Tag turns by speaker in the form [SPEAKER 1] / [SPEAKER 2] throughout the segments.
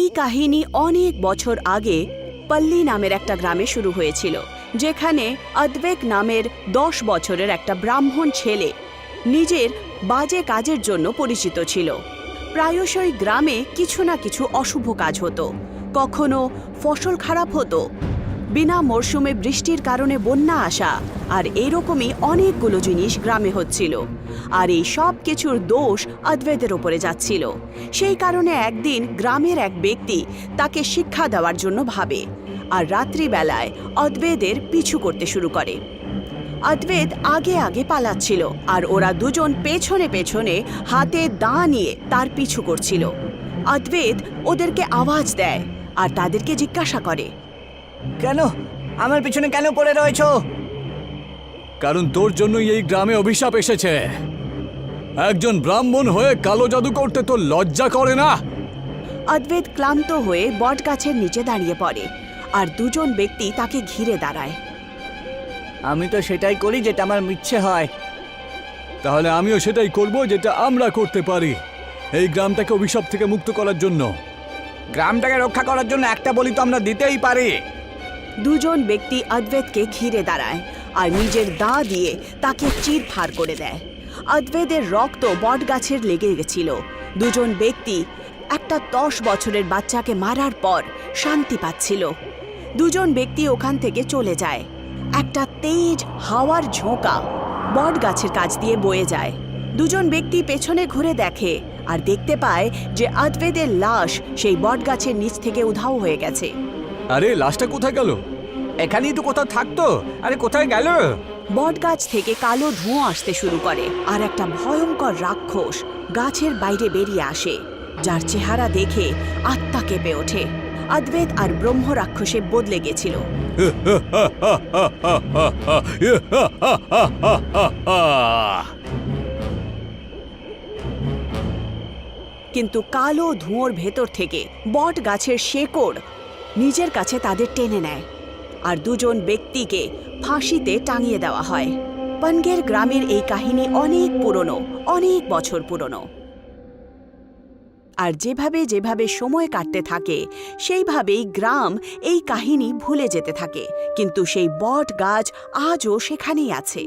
[SPEAKER 1] কাহিনী অনেক বছর আগে পল্লী নামের একটা গ্রামে শুরু হয়েছিল, যেখানে অদ্বৈত নামের 10 বছরের একটা ব্রাহ্মণ ছেলে নিজের বাজে কাজের জন্য পরিচিত ছিল। প্রায়শই গ্রামে কিছু না কিছু অশুভ কাজ হতো, কখনো ফসল খারাপ হতো, বিনা মরশুমে বৃষ্টির কারণে বন্যা আসা, আর এরকমই অনেকগুলো জিনিস গ্রামে হচ্ছিল। আর এই সব কিছুর দোষ অদ্বৈতের ওপরে যাচ্ছিল। সেই কারণে একদিন গ্রামের এক ব্যক্তি তাকে শিক্ষা দেওয়ার জন্য ভাবে, আর রাত্রিবেলায় অদ্বৈতের পিছু করতে শুরু করে। অদ্বৈত আগে আগে পালাচ্ছিল, আর ওরা দুজন পেছনে পেছনে হাতে দা নিয়ে তার পিছু করছিল। অদ্বৈত ওদেরকে আওয়াজ দেয় আর তাদেরকে জিজ্ঞাসা করে,
[SPEAKER 2] কেন আমার পিছনে কেন পড়ে রয়েছো?
[SPEAKER 3] কারণ তোর জন্যই এই গ্রামে অভিশাপ এসেছে। একজন ব্রাহ্মণ হয়ে কালো জাদু করতে তোর লজ্জা করে না?
[SPEAKER 1] অদ্বৈত ক্লান্ত হয়ে বটগাছের নিচে দাঁড়িয়ে পড়ে, আর দুজন ব্যক্তি তাকে ঘিরে দাঁড়ায়।
[SPEAKER 2] আমি তো সেটাই করি যেটা আমার ইচ্ছে হয়।
[SPEAKER 3] তাহলে আমিও সেটাই করব যেটা আমরা করতে পারি, এই গ্রামটাকে অভিশাপ থেকে মুক্ত করার জন্য।
[SPEAKER 2] গ্রামটাকে রক্ষা করার জন্য একটা বলি তো আমরা দিতেই পারি।
[SPEAKER 1] দুজন ব্যক্তি অদ্বৈতকে ঘিরে দাঁড়ায় আর নিজের দা দিয়ে তাকে চিরফাড় করে দেয়। অদ্বৈতের রক্ত বটগাছের লেগে গেছিল। দুজন ব্যক্তি একটা 10 বছরের বাচ্চাকে মারার পর শান্তি পাচ্ছিল। দুজন ব্যক্তি ওখান থেকে চলে যায়। একটা তেজ হাওয়ার ঝোঁকা বটগাছের কাছ দিয়ে বয়ে যায়। দুজন ব্যক্তি পেছনে ঘুরে দেখে আর দেখতে পায় যে অদ্বৈতের লাশ সেই বটগাছের নিচ থেকে উধাও হয়ে গেছে।
[SPEAKER 3] আরে লাশটা কোথায় গেল?
[SPEAKER 2] এখানেই তো কোথাও থাকতো, আরে কোথায় গেল?
[SPEAKER 1] বটগাছ থেকে কালো ধোঁয়া আসতে শুরু করে, আর একটা ভয়ঙ্কর রাক্ষস গাছের বাইরে বেরিয়ে আসে, যার চেহারা দেখে আত্মা কেঁপে ওঠে। অদ্বৈত আর ব্রহ্ম রাক্ষসে বদলে গেছিল। কিন্তু কালো ধোঁয়ার ভেতর থেকে বট গাছের শেকড় নিজের কাছে তাদের টেনে নেয়, আর দুজন ব্যক্তিকে ফাঁসিতে টাঙিয়ে দেওয়া হয়। পনগের গ্রামের এই কাহিনী অনেক পুরনো, অনেক বছর পুরনো। আর যেভাবে যেভাবে সময় কাটতে থাকে সেইভাবেই গ্রাম এই কাহিনী ভুলে যেতে থাকে, কিন্তু সেই বট গাছ আজও সেখানেই আছে।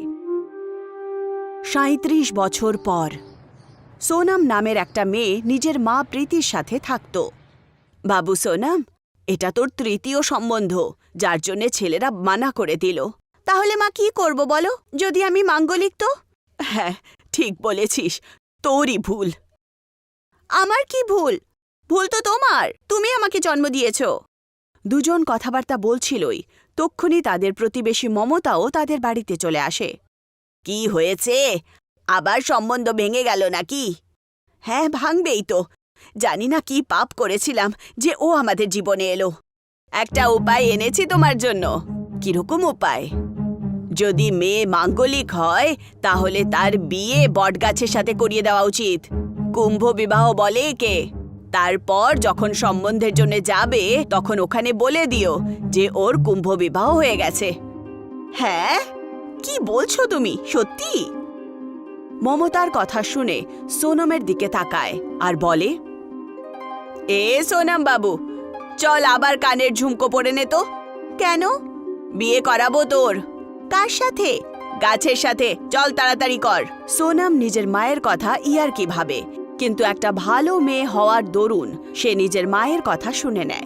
[SPEAKER 1] 37 বছর পর সোনাম নামের একটা মেয়ে নিজের মা প্রীতির সাথে থাকত। বাবু সোনাম, এটা তোর তৃতীয় সম্বন্ধ, যার জন্যে ছেলেরা মানা করে দিল। তাহলে মা কি করব বলো, যদি আমি মাঙ্গলিক তো? হ্যাঁ, ঠিক বলেছিস, তোরই ভুল। আমার কি ভুল? ভুল তো তোমার, তুমি আমাকে জন্ম দিয়েছ। দুজন কথাবার্তা বলছিলই, তক্ষুনি তাদের প্রতিবেশী মমতাও তাদের বাড়িতে চলে আসে। কি হয়েছে? আবার সম্বন্ধ ভেঙে গেল নাকি? হ্যাঁ, ভাঙবেই তো। জানি না কি পাপ করেছিলাম যে ও আমাদের জীবনে এলো। একটা উপায় এনেছি তোমার জন্য। কিরকম উপায়? যদি মেয়ে মাঙ্গলিক হয় তাহলে তার বিয়ে বটগাছের সাথে করিয়ে দেওয়া উচিত। কুম্ভ বিবাহ বলে একে। তারপর যখন সম্বন্ধের জন্য যাবে তখন ওখানে বলে দিও যে ওর কুম্ভ বিবাহ হয়ে গেছে। হ্যাঁ, কি বলছো তুমি? সত্যি? মমতার কথা শুনে সোনমের দিকে তাকায় আর বলে, এ সোনম বাবু, চল আবার কানের ঝুমকো পরে নে তো। কেন? বিয়ে করাবো তোর। কার সাথে? গাছের সাথে। চল তাড়াতাড়ি কর। সোনম নিজের মায়ের কথা ইয়ার্কি ভাবে, কিন্তু একটা ভালো মেয়ে হওয়ার দরুন সে নিজের মায়ের কথা শুনে নেয়।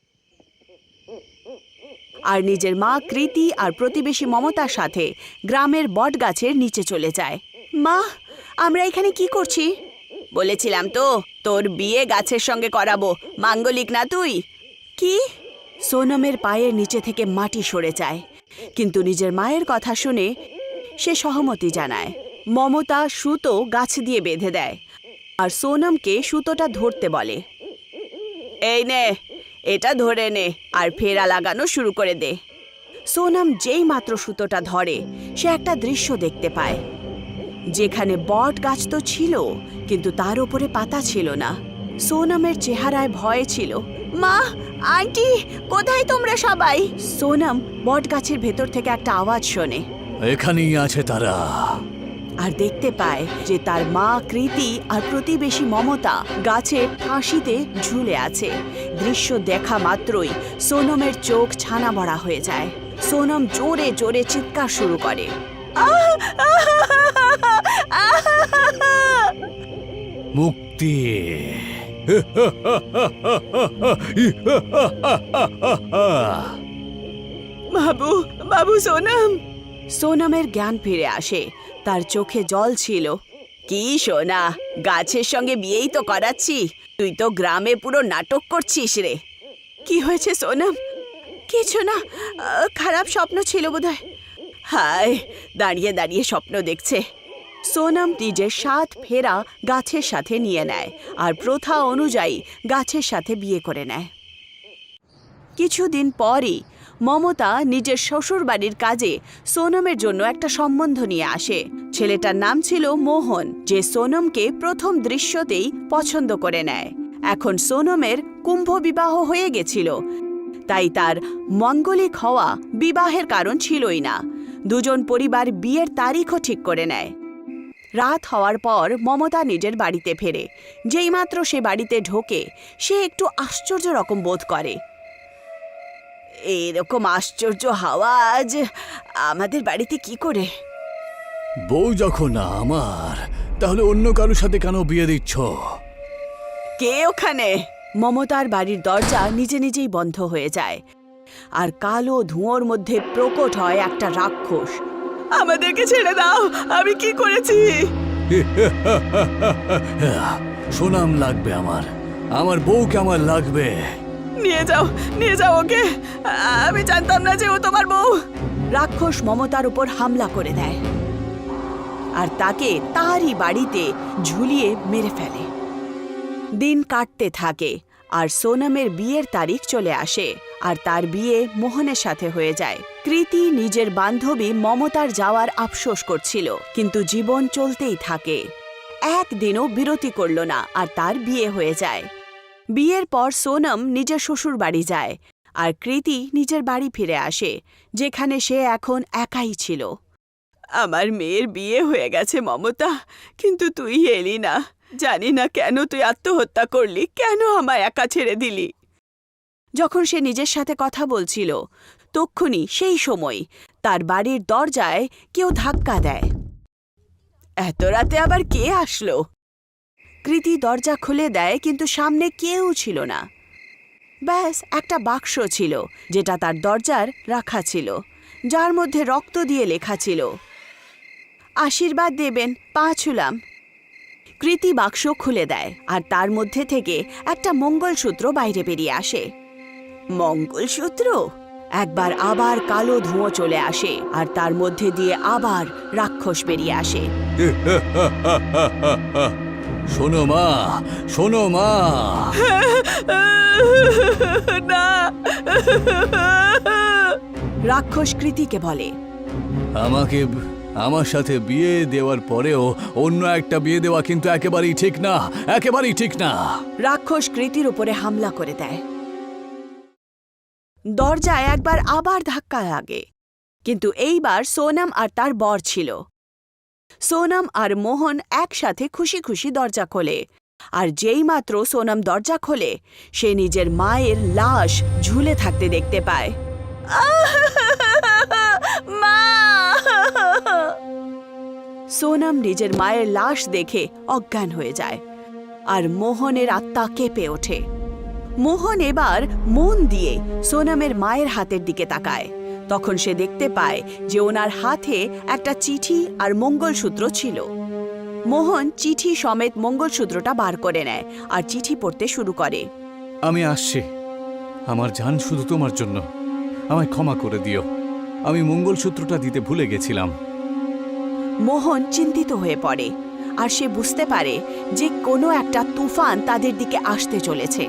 [SPEAKER 1] আর নিজের মা কৃতি আর প্রতিবেশী মমতার সাথে গ্রামের বটগাছের নিচে চলে যায়। মা, আমরা এখানে কি করছি? বলেছিলাম তো তোর বিয়ে গাছের সঙ্গে করাবো, মাঙ্গলিক না তুই। কি? সোনমের পায়ের নিচে থেকে মাটি সরে যায়, কিন্তু নিজের মায়ের কথা শুনে সে সহমতি জানায়। মমতা সুতো গাছ দিয়ে বেঁধে দেয় আর সোনমকে সুতোটা ধরতে বলে। এই নে, এটা ধরে নে আর ফেরা লাগানো শুরু করে দে। সোনম যেই মাত্র সুতোটা ধরে সে একটা দৃশ্য দেখতে পায়, যেখানে বট গাছ তো ছিল কিন্তু তার উপরে পাতা ছিল না। সোনমের চেহারায় ভয় ছিল। মা, আন্টি, কোথায় তোমরা সবাই? সোনম বট গাছের ভেতর থেকে একটা আওয়াজ শোনে।
[SPEAKER 3] এখানেই আছে তারা।
[SPEAKER 1] আর দেখতে পায় যে তার মা কৃতি আর প্রতিবেশী মমতা গাছের ফাঁসিতে ঝুলে আছে। দৃশ্য দেখা মাত্রই সোনমের চোখ ছানা বড়া হয়ে যায়। সোনম জোরে জোরে চিৎকার শুরু করে।
[SPEAKER 3] মুক্তি।
[SPEAKER 1] বাবু, বাবু সোনম। সোনমের জ্ঞান ফিরে আসে, তার চোখে জল ছিল। কি সোনা, গাছের সঙ্গে বিয়েই তো করাচ্ছি, তুই তো গ্রামে পুরো নাটক করছিস রে। কি হয়েছে সোনম? কিছু না, খারাপ স্বপ্ন ছিল বোধহয়। হায়, দাঁড়িয়ে দাঁড়িয়ে স্বপ্ন দেখছে। সোনম নিজের 7 ফেরা গাছের সাথে নিয়ে নেয় আর প্রথা অনুযায়ী গাছের সাথে বিয়ে করে নেয়। কিছুদিন পরই মমতা নিজের শ্বশুরবাড়ির কাজে সোনমের জন্য একটা সম্বন্ধ নিয়ে আসে। ছেলেটার নাম ছিল মোহন, যে সোনমকে প্রথম দৃশ্যতেই পছন্দ করে নেয়। এখন সোনমের কুম্ভ বিবাহ হয়ে গেছিল, তাই তার মঙ্গলিক হওয়া বিবাহের কারণ ছিলই না। দুজন পরিবার বিয়ের তারিখও ঠিক করে নেয়। রাত হওয়ার পর মমতা নিজের বাড়িতে ফেরে। যেইমাত্র সে বাড়িতে ঢোকে, সে একটু আশ্চর্য রকম বোধ করে। এরকম আশ্চর্য হাওয়া আজ আমাদের বাড়িতে কি করে?
[SPEAKER 3] বউ যখন না আমার, তাহলে অন্য কারোর সাথে কেন বিয়ে দিচ্ছ?
[SPEAKER 1] কে ওখানে? মমতার বাড়ির দরজা নিজে নিজেই বন্ধ হয়ে যায়, আর কালো ধোঁয়ার মধ্যে প্রকট হয় একটা রাক্ষস। আমাদেরকে ছেড়ে দাও, আমি কি করেছি?
[SPEAKER 3] সোনাম লাগবে আমার, আমার বউকে আমার লাগবে।
[SPEAKER 1] নিয়ে যাও, নিয়ে যাও ওকে। আমি জানতাম না যে ও তোমার বউ। রাক্ষস মমতার উপর হামলা করে দেয় আর তাকে তারই বাড়িতে ঝুলিয়ে মেরে ফেলে। দিন কাটতে থাকে আর সোনমের বিয়ের তারিখ চলে আসে, আর তার বিয়ে মোহনের সাথে হয়ে যায়। কৃতি নিজের বান্ধবী মমতার যাওয়ার আফসোস করছিল, কিন্তু জীবন চলতেই থাকে। একদিনও বিরতি করল না আর তার বিয়ে হয়ে যায়। বিয়ের পর সোনম নিজের শ্বশুর বাড়ি যায় আর কৃতি নিজের বাড়ি ফিরে আসে, যেখানে সে এখন একাই ছিল। আমার মেয়ের বিয়ে হয়ে গেছে মমতা, কিন্তু তুই এলি না। জানি না কেন তুই আত্মহত্যা করলি, কেন আমায় একা ছেড়ে দিলি? যখন সে নিজের সাথে কথা বলছিল, তক্ষুনি সেই সময় তার বাড়ির দরজায় কেউ ধাক্কা দেয়। এত রাতে আবার কে আসলো? কৃতি দরজা খুলে দেয়, কিন্তু সামনে কেউ ছিল না। ব্যাস একটা বাক্স ছিল, যেটা তার দরজার রাখা ছিল, যার মধ্যে রক্ত দিয়ে লেখা ছিল, আশীর্বাদ দেবেন, পা ছুলাম। কৃতি বাক্স খুলে দেয় আর তার মধ্যে থেকে একটা মঙ্গলসূত্র বাইরে বেরিয়ে আসে। মঙ্গলসূত্র? একবার আবার কালো ধোঁয়া চলে আসে আর তার মধ্যে দিয়ে আবার রাক্ষস বেরিয়ে আসে।
[SPEAKER 3] শোনো মা, শোনো মা।
[SPEAKER 1] না। রাক্ষস কৃতিকে বলে,
[SPEAKER 3] আমাকে আমার সাথে বিয়ে দেওয়ার পরেও অন্য একটা বিয়ে দেওয়া কিন্তু একেবারেই ঠিক না, একেবারেই ঠিক না।
[SPEAKER 1] রাক্ষস কৃতির উপরে হামলা করে দেয়। দরজায় একবার আবার ধাক্কা লাগে, কিন্তু এইবার সোনম আর তার বর ছিল। সোনম আর মোহন একসাথে খুশি খুশি দরজা খোলে, আর যেইমাত্র সোনম দরজা খোলে, সে নিজের মায়ের লাশ ঝুলে থাকতে দেখতে পায়। মা! সোনম নিজের মায়ের লাশ দেখে অজ্ঞান হয়ে যায়, আর মোহনের আত্মা কেঁপে ওঠে। মোহন এবার মন দিয়ে সোনমের মায়ের হাতের দিকে তাকায়। তখন সে দেখতে পায় যে ওনার হাতে একটা চিঠি আর মঙ্গলসূত্র ছিল। মোহন চিঠি সমেত মঙ্গলসূত্রটা বার করে নেয় আর চিঠি পড়তে শুরু করে।
[SPEAKER 3] আমি আসছি, আমার জান শুধু তোমার জন্য, আমায় ক্ষমা করে দিও, আমি মঙ্গলসূত্রটা দিতে ভুলে গেছিলাম।
[SPEAKER 1] মোহন চিন্তিত হয়ে পড়ে আর সে বুঝতে পারে যে কোনো একটা তুফান তাদের দিকে আসতে চলেছে।